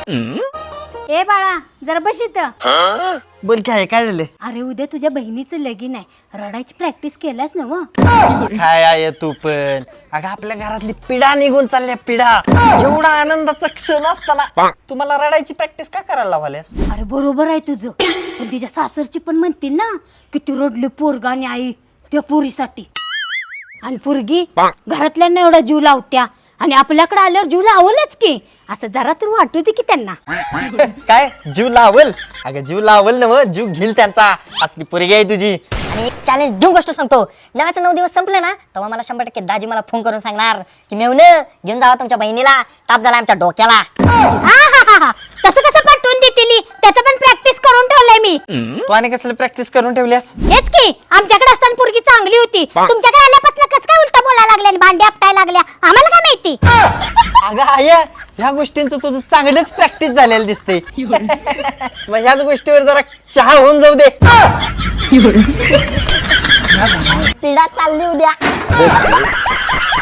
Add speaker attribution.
Speaker 1: ए बाळा जरा बस इथं.
Speaker 2: बोल काय काय झालं?
Speaker 1: अरे उद्या तुझ्या बहिणीचं लगीन आहे, रडायची प्रॅक्टिस केलास ना व?
Speaker 2: काय आहे तू पण? अगं आपल्या घरातली पिढा निघून चालल्या पिढा. एवढा आनंदाचा क्षण असताना तुम्हाला रडायची प्रॅक्टिस का करायला लावाल्यास?
Speaker 1: अरे बरोबर आहे तुझं, पण तिच्या सासरची पण म्हणतील ना किती रडली पोरगा आणि आई त्या पोरीसाठी. आणि पोरगी घरातल्यांना एवढा जीव लावत्या आणि आपल्याकडे आल्यावर जीव लावलच की, असं जरा तर वाटू दे की त्यांना.
Speaker 2: काय जीव लावल? अगं जीव लावल ना, मग जीव घेईल त्यांचा. असली पोरगी आहे तुझी.
Speaker 3: आणि एक चॅलेंज देऊ गोष्ट सांगतो. नव्याचं 9 दिवस संपले ना तेव्हा मला 100% दाजी मला फोन करून सांगणार की मेवणं घेऊन जावा तुमच्या बहिणीला, ताप झाला आमच्या डोक्याला.
Speaker 1: तसं कसं पाठवून देतील? त्याचं पण प्रॅक्टिस करून ठेवलंय मी.
Speaker 2: तू आणि कसलं प्रॅक्टिस करून ठेवल्यास?
Speaker 1: हेच की, आमच्याकडे असताना पोरगी चांगली होती, तुमच्याकडे आल्यापासून कसं काय उलटा बोलायला लागल्या आणि भांडे आपटायला लागल्या, आम्हाला काय माहिती.
Speaker 2: अगं आया, ह्या गोष्टींचं तुझं चांगलंच प्रॅक्टिस झालेलं दिसते. मग ह्याच गोष्टीवर जरा चहा होऊन जाऊ दे.
Speaker 3: पिढा चालली उद्या.